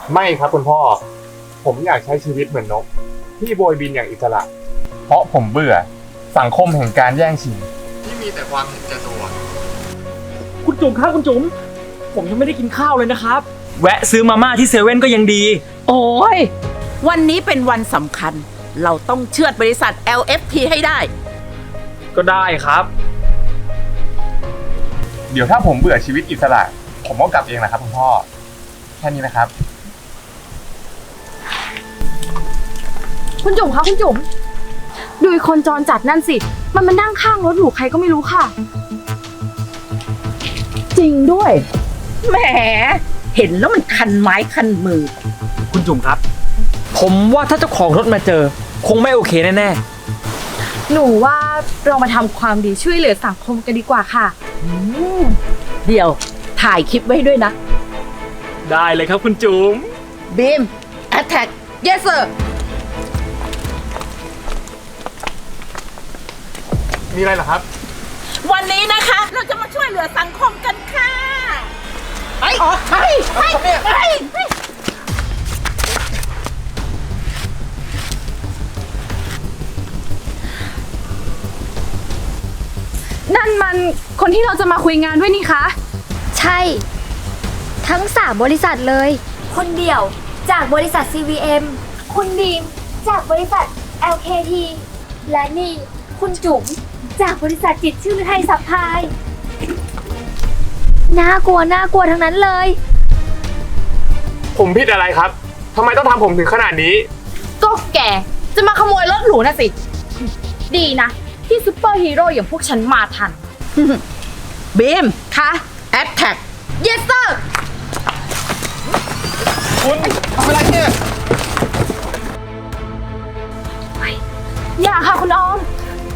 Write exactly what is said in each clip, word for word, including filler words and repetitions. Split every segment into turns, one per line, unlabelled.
ไม่ครับคุณพ่อผมอยากใช้ชีวิตเหมือนนกที่โบยบินอย่างอิสระเพราะผมเบื่อสังคมแห่งการแย่งชิงที่มีแต่ความเห็นแก่ตัว
คุณจุ๋มครับคุณจุ๋มผมยังไม่ได้กินข้าวเลยนะครับแวะซื้อมาม่าที่เซเว่นก็ยังดี
โอ้ยวันนี้เป็นวันสำคัญเราต้องเชือดบริษัท แอล เอฟ ที ให้ได้
ก็ได้ครับ
เดี๋ยวถ้าผมเบื่อชีวิตอิสระผมก็กลับเองนะครับคุณพ่อแค่นี้นะครับ
คุณจุ๋มคะคุณจุ๋มดูไอ้คนจรจัดนั่นสิมันมานั่งข้างรถหรูใครก็ไม่รู้ค่ะ
จริงด้วยแหมเห็นแล้วมันคันไม้คันมือ
คุณจุ๋มครับผมว่าถ้าเจ้าของรถมาเจอคงไม่โอเคแน่
ๆหนูว่าเรามาทำความดีช่วยเหลือสังคมกันดีกว่าค่ะ
เดี๋ยวถ่ายคลิปไว้ด้วยนะ
ได้เลยครับคุณจุ๋ม
บีม attack yes sir
มีอะไรเหรอครับ
วันนี้นะคะเราจะมาช่วยเหลือสังคมกันค่ะไปไปไปไป
นั่นมันคนที่เราจะมาคุยงานด้วยนี่คะ
ใช่ทั้งสามบริษัทเลยคนเดียวจากบริษัท ซี วี เอ็ม คุณดีมจากบริษัท แอล เค ที และนี่คุณจุ๋มจากบริษัทจิตรชื่อไทยซัพพลายน่ากลัวน่ากลัวทั้งนั้นเลย
ผมผิดอะไรครับทำไมต้องทำผมถึงขนาดนี้
ก็แกจะมาขโมยรถหรูนะสิดีนะที่ซุปเปอร์ฮีโร่อย่างพวกฉันมาทัน
บีม
คะ
แอทแท็ก
yes sir
คุณทำอะไรเนี่ย
อย่าค่ะคุณออม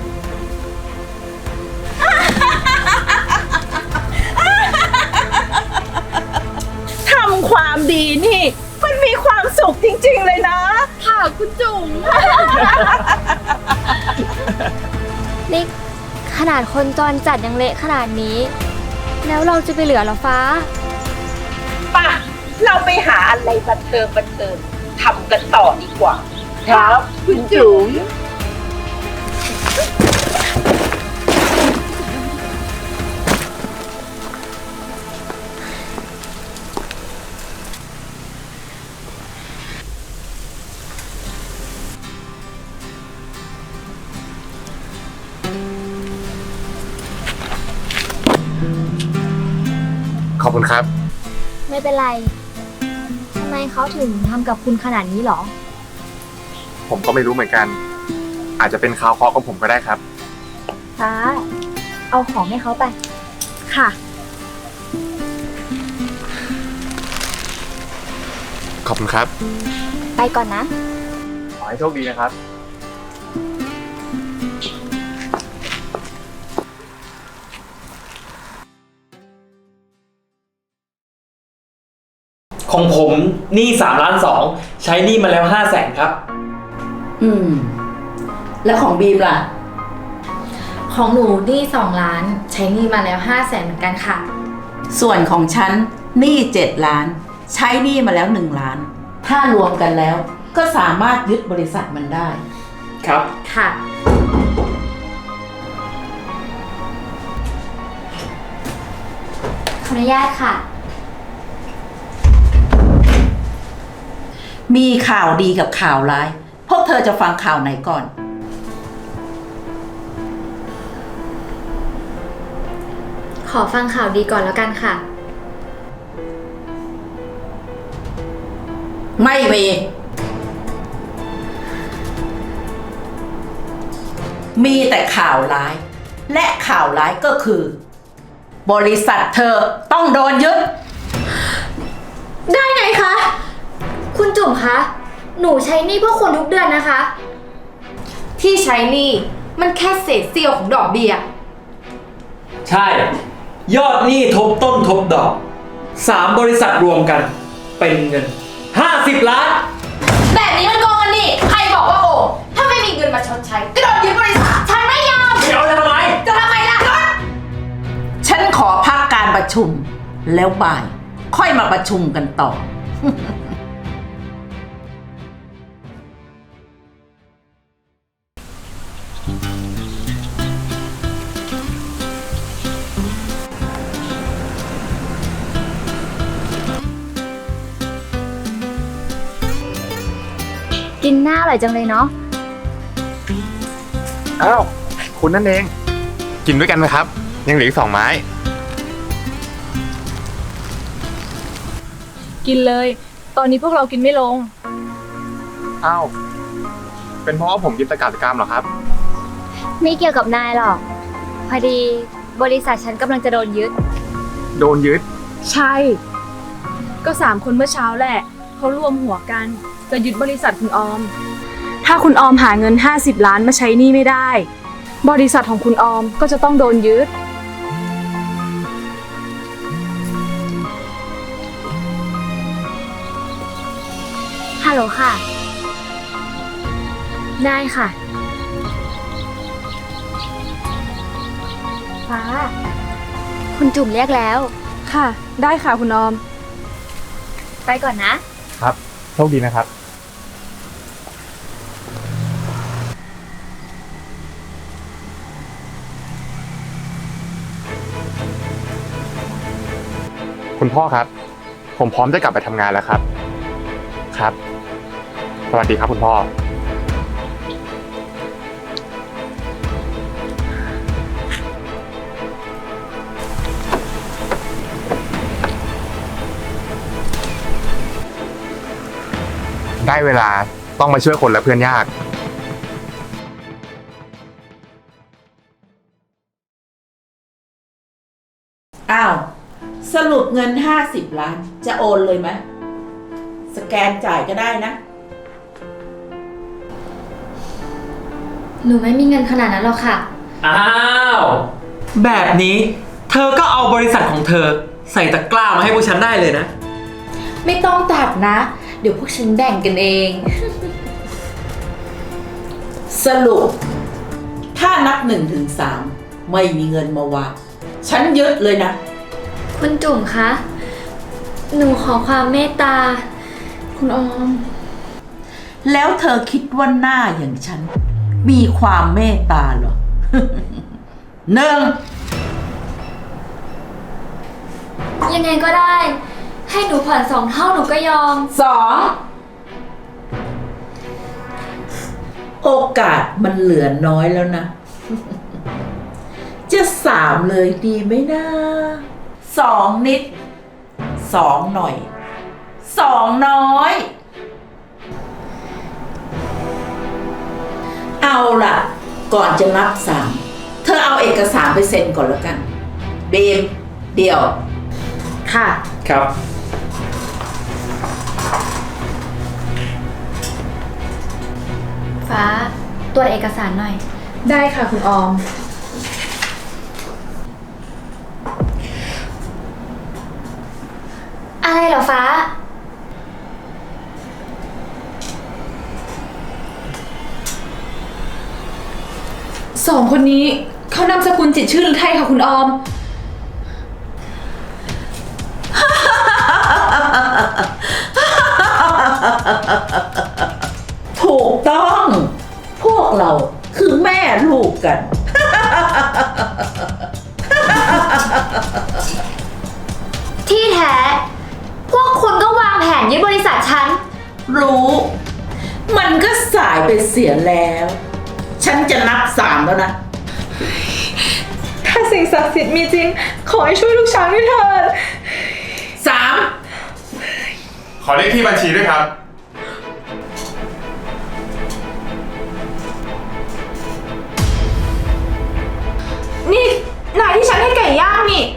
ทำความดีนี่มันมีความสุขจริงๆเลยนะ
ค่ะคุณจุ๋ม
นี่ขนาดคนจรจัดยังเละขนาดนี้แล้วเราจะไปเหลือหรอฟ้า
ป่ะเราไปหาอะไรบันเทิงบันเทิงทำกันต่อดีกว่า
ครับคุณจุ๋ม
ขอบคุณครับ
ไม่เป็นไรทำไมเขาถึงทำกับคุณขนาดนี้หรอ
ผมก็ไม่รู้เหมือนกันอาจจะเป็นข่าวเคราะห์ของผมก็ได้ครับ
ฟ้าเอาของให้เขาไป
ค่ะ
ขอบคุณครับ
ไปก่อนนะ
ขอให้โชคดีนะครับ
ของผมหนี้สามล้านสองใช้หนี้มาแล้วห้าแสนครับ
อืมแล้วของบีมล่ะ
ของหนูหนี้สองล้านใช้หนี้มาแล้วห้าแสนเหมือนกันค่ะ
ส่วนของฉันหนี้เจ็ดล้านใช้หนี้มาแล้วหนึ่งล้านถ้ารวมกันแล้วก็สามารถยึดบริษัทมันได้
ครับ
ค่ะ
ขออนุญาตค่ะ
มีข่าวดีกับข่าวร้ายพวกเธอจะฟังข่าวไหนก่อน
ขอฟังข่าวดีก่อนแล้วกันค่ะ
ไม่มีมีแต่ข่าวร้ายและข่าวร้ายก็คือบริษัทเธอต้องโดนยึด
ได้ไงคะคุณจุ๋มคะหนูใช้หนี้พวกคุณทุกเดือนนะคะ
ที่ใช้หนี้มันแค่เศษเสี้ยวของดอกเบี้ย
ใช่ยอดหนี้ทบต้นทบดอกสามบริษัทรวมกันเป็นเงินห้าสิบล้าน
แบบนี้มันโกงกันนี่ใครบอกว่าโกงถ้าไม่มีเงินมาชดใช้ก็โดนยึดบริษัทฉันไม่ยอม
เดี๋ยวจะทำไม
จะทำไมล่ะ
ฉันขอพักการประชุมแล้วบ่ายค่อยมาประชุมกันต่อ
กินหน้าอร่อยจังเลยเนาะ
อ้าว คุณนั่นเอง กินด้วยกันไหมครับ ยังเหลืออีกสองไม้
กินเลย ตอนนี้พวกเรากินไม่ลง
อ้าว เป็นเพราะว่าผมกินตะกาตะกามเหรอครับ
ไม่เกี่ยวกับนายหรอก พอดีบริษัทฉันกำลังจะโดนยึด
โดนยึด
ใช่ ก็สามคนเมื่อเช้าแหละ เขารวมหัวกัน จะยึดบริษัทคุณออม ถ้าคุณออมหาเงินห้าสิบล้านมาใช้หนี้ไม่ได้ บริษัทของคุณออมก็จะต้องโดนยึด
ฮัลโหลค่ะ ได้ค่ะ ฟ้า คุณจุ่มเรียกแล้ว
ค่ะ ได้ค่ะคุณออม
ไปก่อนนะ
ครับ โชคดีนะครับ คุณพ่อครับ ผมพร้อมจะกลับไปทำงานแล้วครับ ครับ สวัสดีครับคุณพ่อ ได้เวลาต้องมาช่วยคนและเพื่อนยาก
อ้าว สรุปเงินห้าสิบล้าน จะโอนเลยไหม สแกนจ่ายก็ได้นะ
หนูไม่มีเงินขนาดนั้นหรอกค่ะ
อ้าว แบบนี้ เธอก็เอาบริษัทของเธอ ใส่ตะกร้ามาให้พวกฉันได้เลยนะ
ไม่ต้องตัดนะ เดี๋ยวพวกฉันแบ่งกันเอง สรุป ถ้านับหนึ่งถึงสามไม่มีเงินมาวางฉันยึดเลยนะ
คุณจุ่มคะ หนูขอความเมตตา คุณออม
แล้วเธอคิดว่าหน้าอย่างฉัน มีความเมตตาเหรอ หนึ่ง
ยังไงก็ได้ ให้หนูผ่อนสองเท่าหนูก็ยอม
สอง โอกาสมันเหลือน้อยแล้วนะ จะสามเลยดีไหมนะสองนิด สองหน่อย สองน้อย เอาล่ะ ก่อนจะนับสาม เธอเอาเอกสารไปเซ็นก่อนแล้วกัน เบม เดี๋ยว ค่ะ
ครับ
ฟ้าตรวจเอกสารหน่อย
ได้ค่ะคุณออม
อะไรเหรอฟ้า
สองคนนี้เขานามสกุลจิตรชื่อหรือไทยค่ะคุณออม
ถูกต้อง พวกเราคือแม่ลูกกัน
ที่แท้ พวกคุณก็วางแผนยึดบริษัทฉัน
รู้ มันก็สายไปเสียแล้ว ฉันจะนับสามแล้วนะ
ถ้าสิ่งศักดิ์สิทธิ์มีจริง ขอให้ช่วยลูกช้างด้วยเถิด
สาม
ขอเลขที่บัญชีด้วยครับ
นี่นายที่ฉันให้ไก่ย่างนี่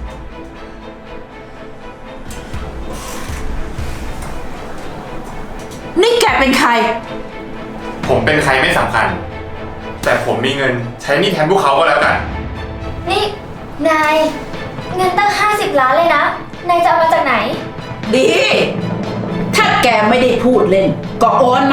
นี่แกเป็นใคร
ผมเป็นใครไม่สำคัญ แต่ผมมีเงินใช้หนี่แทนพวกเขาก็แล้วกัน
นี่ นาย เงินตั้งห้าสิบล้านเลยนะ นายจะเอามาจากไหน
ดี ถ้าแกไม่ได้พูดเล่น ก็โอนมา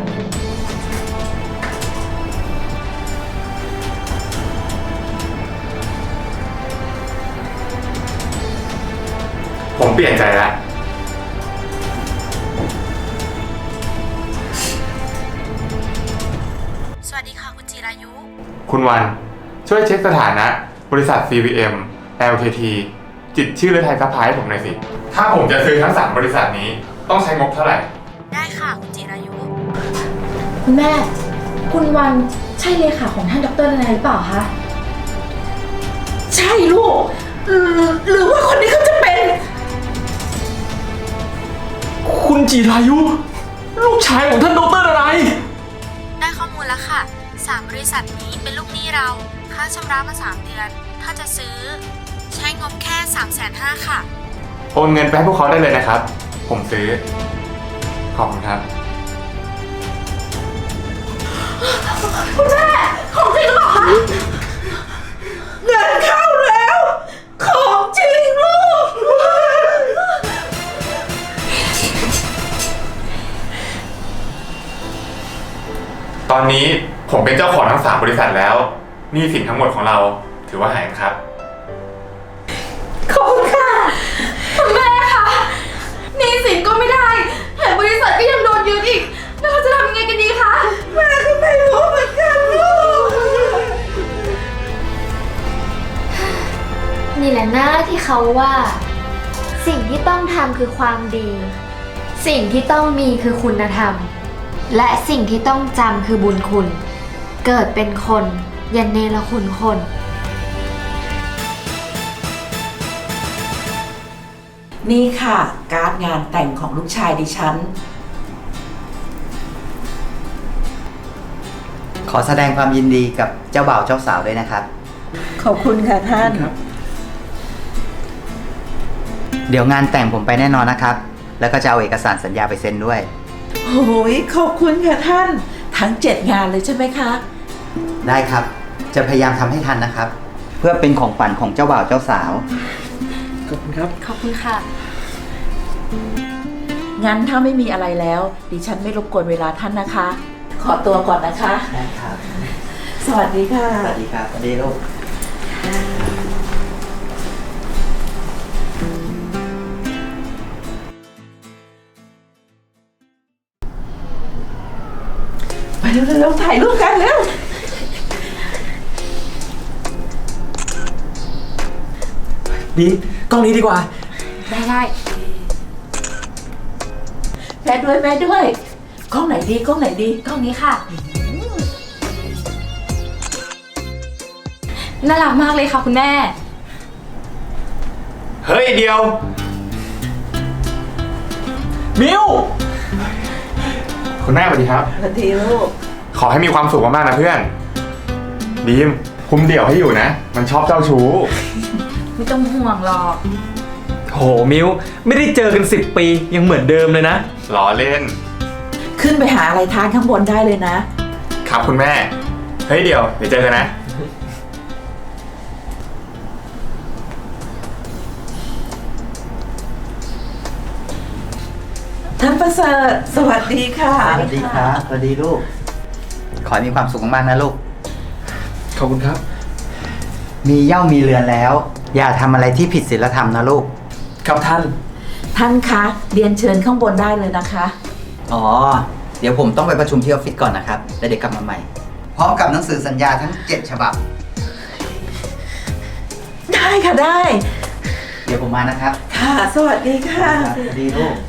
ผมเปลี่ยนใจแล้ว
สวัสดีค่ะคุณจิรายุ
คุณวันช่วยเช็คสถานะ บริษัท ซี วี เอ็ม แอล เค ที จิตรชื่อและไทยซัพพลายให้ผมหน่อยสิ ถ้าผมจะซื้อทั้งสามบริษัทนี้ต้องใช้งบเท่าไหร่
ได้ค่ะคุณจิรายุ
คุณแม่ คุณวันใช่เลขาของท่านดรนายหรือเปล่าคะ
ใช่ลูกหรือหรือว่าคนนี้เขาจะเป็น
คุณจิรายุ ลูกชายของท่านดรอะไร
ได้ข้อมูลแล้วค่ะสามบริษัทนี้เป็นลูกหนี้เรา ค่าชำระมาสามเดือน ถ้าจะซื้อ ใช้งบแค่สามแสนห้าค่ะ
โอนเงินไปให้พวกเขาได้เลยนะครับ ผมซื้อ ขอบคุณครับ
เงินเข้าแล้ว ของจริงลูก
ตอนนี้ผมเป็นเจ้าของทั้งสามบริษัทแล้วหนี้สินทั้งหมดของเราถือว่าหายครับ
ขอบคุณค่ะ คุณแม่คะหนี้สินก็ไม่ได้แถมบริษัทก็ยังโดนยึดอีก แล้วเราจะทำยังไงกันดีคะ
แม่ก็ไม่รู้เหมือนกันลูก
นี่แหละหน้าที่เขาว่า สิ่งที่ต้องทำคือความดี สิ่งที่ต้องมีคือคุณธรรม และสิ่งที่ต้องจำคือบุญคุณ เกิดเป็นคนอย่าเนรคุณคน
นี่ค่ะ การ์ดงานแต่งของลูกชายดิฉัน
ขอแสดงความยินดีกับเจ้าบ่าวเจ้าสาวด้วยนะครับ
ขอบคุณค่ะท่าน
เดี๋ยวงานแต่งผมไปแน่นอนนะครับ แล้วก็จะเอาเอกสารสัญญาไปเซ็นด้วย
โอ้ยขอบคุณค่ะท่าน ทั้งเจ็ดงานเลยใช่ไหมคะ
ได้ครับ จะพยายามทำให้ทันนะครับ เพื่อเป็นของขวัญของเจ้าบ่าวเจ้าสาว
ขอบคุณครับ
ขอบคุณค่ะ
งั้นถ้าไม่มีอะไรแล้ว ดิฉันไม่รบกวนเวลาท่านนะคะ ขอตัวก่อนนะคะ
ได้ครับ
สวัสดีค่ะ
สวัสดีครับ สวัสดีลูก
ไปเร็วๆถ่ายรูปกันเร็ว
บีมกล้องนี้ดีกว่า
ได้ได้
แม่ด้วยแม่ด้วย กล้องไหนดีกล้องไหนดี
กล้องนี้ค่ะ น่ารักมากเลยค่ะคุณแม่
เฮ้ยเดียว
มิว
คุณแม่สวัสดีครับ
สวัสดีลูก
ขอให้มีความสุขมากๆนะเพื่อนดีมคุมเดี่ยวให้อยู่นะ มันชอบเจ้าชู้
ไม่ต้องห่วงหรอก
โหมิวไม่ได้เจอกันสิบปียังเหมือนเดิมเลยนะ
ล้อเล่น
ขึ้นไปหาอะไรทานข้างบนได้เลยนะ
ครับคุณแม่ เฮ้ยเดี๋ยว เดี๋ยวเจอกันนะ
ท่านประเสริฐสวัสดีค่ะ
สวัสดีครับ สวัสดีลูก ขอให้มีความสุขมากๆนะลูก
ขอบคุณครับ
มีเหย้ามีเรือนแล้ว อย่าทำอะไรที่ผิดศีลธรรมนะลูก
ครับท่าน
ท่านคะเรียนเชิญข้างบนได้เลยนะคะ
อ๋อ เดี๋ยวผมต้องไปประชุมที่ออฟฟิศก่อนนะครับ แล้วเดี๋ยวกลับมาใหม่ พร้อมกับหนังสือสัญญาทั้งเจ็ดฉบับ
ได้ค่ะได้
เดี๋ยวผมมานะครับ
ค่ะ สวัสดีค่ะ
สวัสดีลูก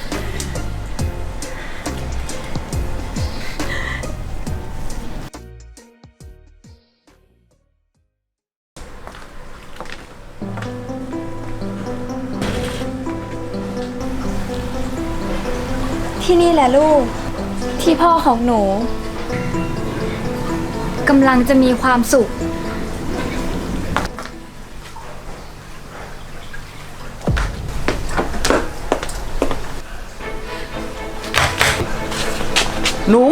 ที่นี่แหละลูก ที่พ่อของหนูกำลังจะมีความสุข
หนู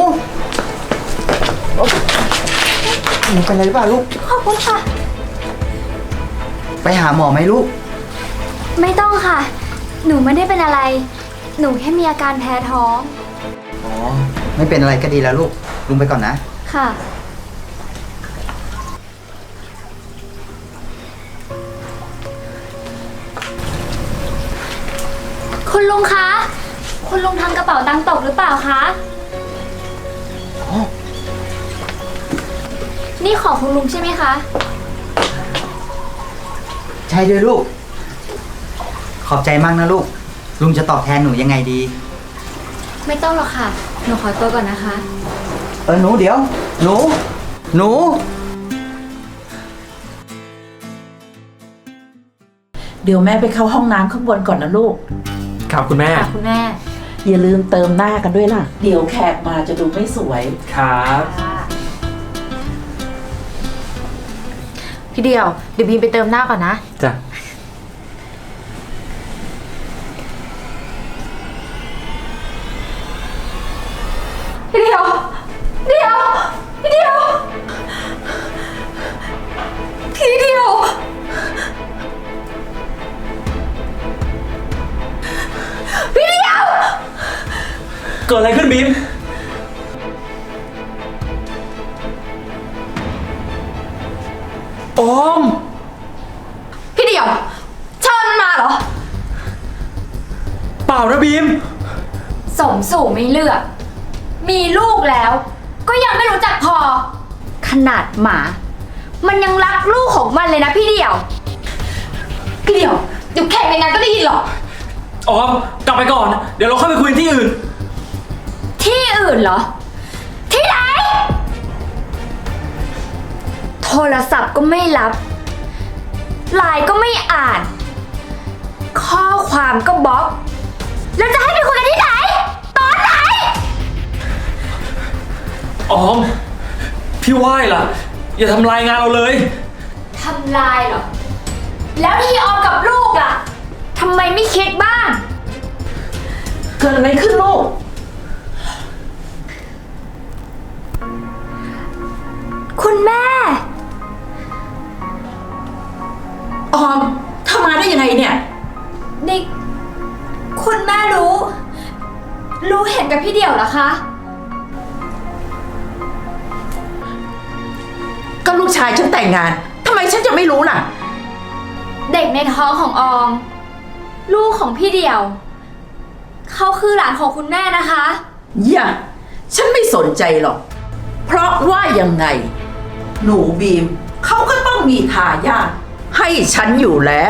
หนูเป็นอะไรหรือเปล่าลูก
ขอบคุณค่ะ
ไปหาหมอไหมลูก
ไม่ต้องค่ะ หนูไม่ได้เป็นอะไร หนูแค่มีอาการแพ้ท้อง
อ๋อ ไม่เป็นอะไรก็ดีแล้วลูก ลุงไปก่อนนะ
ค่ะ คุณลุงคะ คุณลุงทำกระเป๋าตังค์ตกหรือเปล่าคะ
อ๋อ
นี่ของคุณลุงใช่ไหมคะ
ใช่ด้วยลูก ขอบใจมากนะลูก ลุงจะตอบแทนหนูยังไงดี
ไม่ต้องหรอกค่ะ หนูขอตัวก่อนนะคะ
เออหนูเดี๋ยว หนู หนู
เดี๋ยวแม่ไปเข้าห้องน้ำข้างบนก่อนนะลูก
ครับคุณแม่
ค่ะคุณแม่
อย่าลืมเติมหน้ากันด้วยล่ะ เดี๋ยวแขกมาจะดูไม่สวย
ครับ
พี่เดียว เดี๋ยวบีมไปเติมหน้าก่อนนะ
จ้ะ
พี่เดียว เดียว พี่เดียว พี่เดียว พี่เดียว
เกิดอะไรขึ้นบีม ออม
พี่เดียวเชิญมันมาเหรอ
เปล่านะบีม
สมสู่ไม่เลือก มีลูกแล้ว ก็ยังไม่รู้จักพอ ขนาดหมา มันยังรักลูกของมันเลยนะพี่เดี่ยว
พี่เดียวเดี๋ยวแขกในงานก็ได้ยินหรอก
ออม กลับไปก่อน เดี๋ยวเราค่อยไปคุยที่อื่น
ที่อื่นเหรอ ที่ไหน โทรศัพท์ก็ไม่รับไลน์ก็ไม่อ่าน ข้อความก็บล็อก แล้วจะให้ไปคุยกันที่ไหน ตอนไหน
ออม พี่ไหว้ล่ะ อย่าทำลายงานเราเลย
ทำลายเหรอ แล้วที่ออมกับลูกล่ะทำไมไม่คิดบ้าง
เกิดอะไรขึ้นลูก
คุณแม่
ออมเธอมาได้ยังไงเนี่ย
นี่ คุณแม่รู้ รู้เห็นกับพี่เดี่ยวเหรอคะ
ก็ลูกชายฉันแต่งงานทำไมฉันจะไม่รู้ล่ะ
เด็กในท้องของออม ลูกของพี่เดี่ยว เขาคือหลานของคุณแม่นะคะ
อย่า ฉันไม่สนใจหรอก เพราะว่ายังไง หนูบีม เขาก็ต้องมีทายาทให้ฉันอยู่แล้ว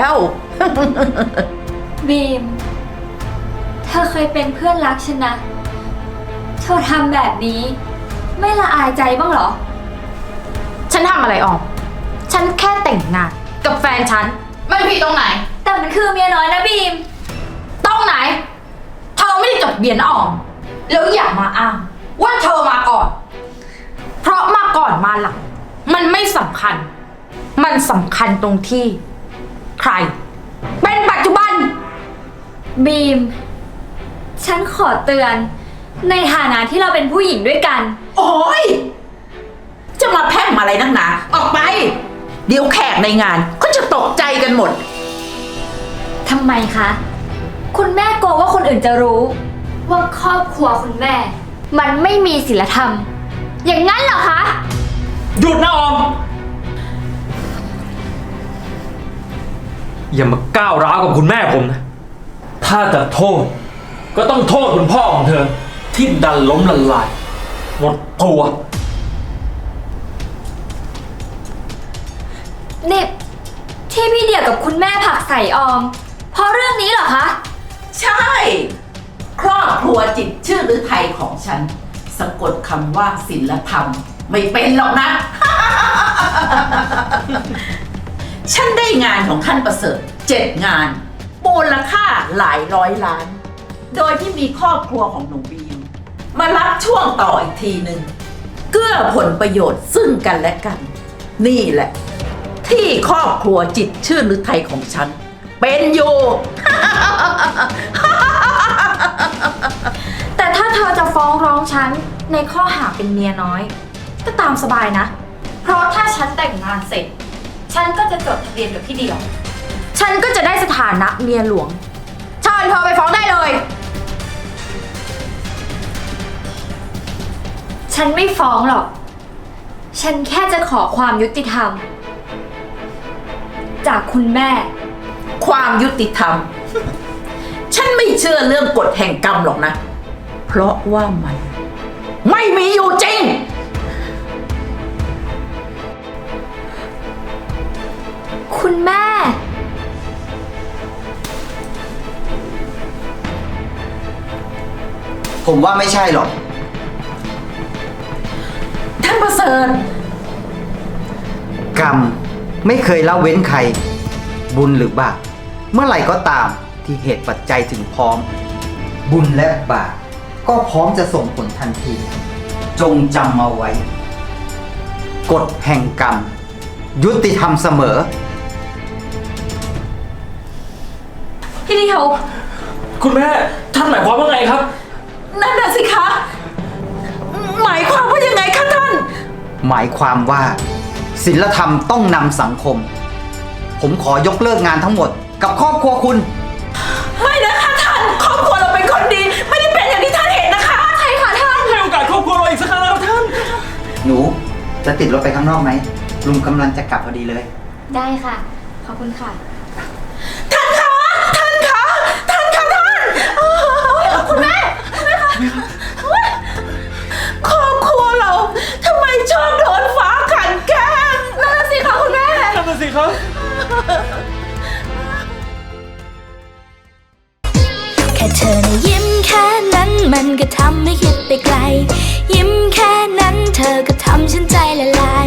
บีม เธอเคยเป็นเพื่อนรักฉันนะ เธอทำแบบนี้ ไม่ละอายใจบ้างเหรอ
ฉันทำอะไรออก ฉันแค่แต่งงานกับแฟนฉัน ไม่ผิดตรงไหน
แต่มันคือเมียน้อยนะบีม
ตรงไหน เธอไม่ได้จดทะเบียนนะออม แล้วอย่ามาอ้างว่าเธอมาก่อน เพราะมาก่อนมาหลัง มันไม่สำคัญ มันสำคัญตรงที่ ใคร เป็นปัจจุบัน
บีม ฉันขอเตือน ในฐานะที่เราเป็นผู้หญิงด้วยกัน
โอ้ยจะมาแพร่งมาอะไรนักหนา ออกไป เดี๋ยวแขกในงานก็จะตกใจกันหมด
ทำไมคะ คุณแม่กลัวว่าคนอื่นจะรู้ ว่าครอบครัวคุณแม่ มันไม่มีศีลธรรม อย่างนั้นเหรอคะ
หยุดนะออม อย่ามาก้าวร้าวกับคุณแม่ผมนะ ถ้าจะโทษ ก็ต้องโทษคุณพ่อของเธอ ที่ดันล้มละลาย หมดตัว
นี่ที่พี่เดี่ยวกับคุณแม่ผลักใส่ออม เพราะเรื่องนี้เหรอคะ
ใช่ ครอบครัวจิตรชื่อฤทัยของฉัน สะกดคำว่าศีลธรรม ไม่เป็นหรอกนะ ฉันได้งานของท่านประเสริฐเจ็ดงานมูลค่าหลายร้อยล้าน โดยที่มีครอบครัวของหนูบีม มารับช่วงต่ออีกทีหนึ่งเกื้อผลประโยชน์ซึ่งกันและกัน นี่แหละ ที่ครอบครัวจิตรชื่อฤทัยของฉัน เป็นอยู่
แต่ถ้าเธอจะฟ้องร้องฉันในข้อหาเป็นเมียน้อย ก็ตามสบายนะ เพราะถ้าฉันแต่งงานเสร็จ ฉันก็จะจดทะเบียนกับพี่เดียว ฉันก็จะได้สถานะเมียหลวงเชิญเธอไปฟ้องได้เลย
ฉันไม่ฟ้องหรอก ฉันแค่จะขอความยุติธรรม จากคุณแม่
ความยุติธรรม ฉันไม่เชื่อเรื่องกฎแห่งกรรมหรอกนะ เพราะว่ามัน ไม่มีอยู่จริง
คุณแม่
อ
ผมว่าไม่ใช่หรอก
ท่านประเสริฐ
กรรมไม่เคยละเว้นใคร บุญหรือบาปเมื่อไหร่ก็ตามที่เหตุปัจจัยถึงพร้อม บุญและบาปก็พร้อมจะส่งผลทันที จงจำเอาไว้ กฎแห่งกรรม ยุติธรรมเสมอ
พี่เดียว
คุณแม่ท่านหมายความว่าไงครับ
นั่นน่ะสิคะ หมายความว่ายังไงคะท่าน
หมายความว่าศีลธรรมต้องนำสังคม ผมขอยกเลิกงานทั้งหมดกับครอบครัวคุณ
ไม่นะคะท่าน ครอบครัวเราเป็นคนดี ไม่ได้เป็นอย่างที่ท่านเห็นนะคะ ใช่ค่ะท่าน
ให้โอกาสครอบครัวเราอีกสักครั้งนะครับท่าน
หนูจะติดรถไปข้างนอกไหมลุงกำลังจะกลับพอดีเลย
ได้ค่ะ ขอบคุณค่ะ
ท่านคะ ท่านคะ ท่านคะท่านโอ้ยคุณแม่ คุณแม่คะครอบครัวเราทำไมชอบโดนฟ้าขันแกล้งนั่นน่ะสิคะคุณแม่
นั่นน่ะสิครับ
แค่เธอนะยิ้มแค่นั้นมันก็ทำให้คิดไปไกล ยิ้มแค่นั้นเธอก็ทำฉันใจละลาย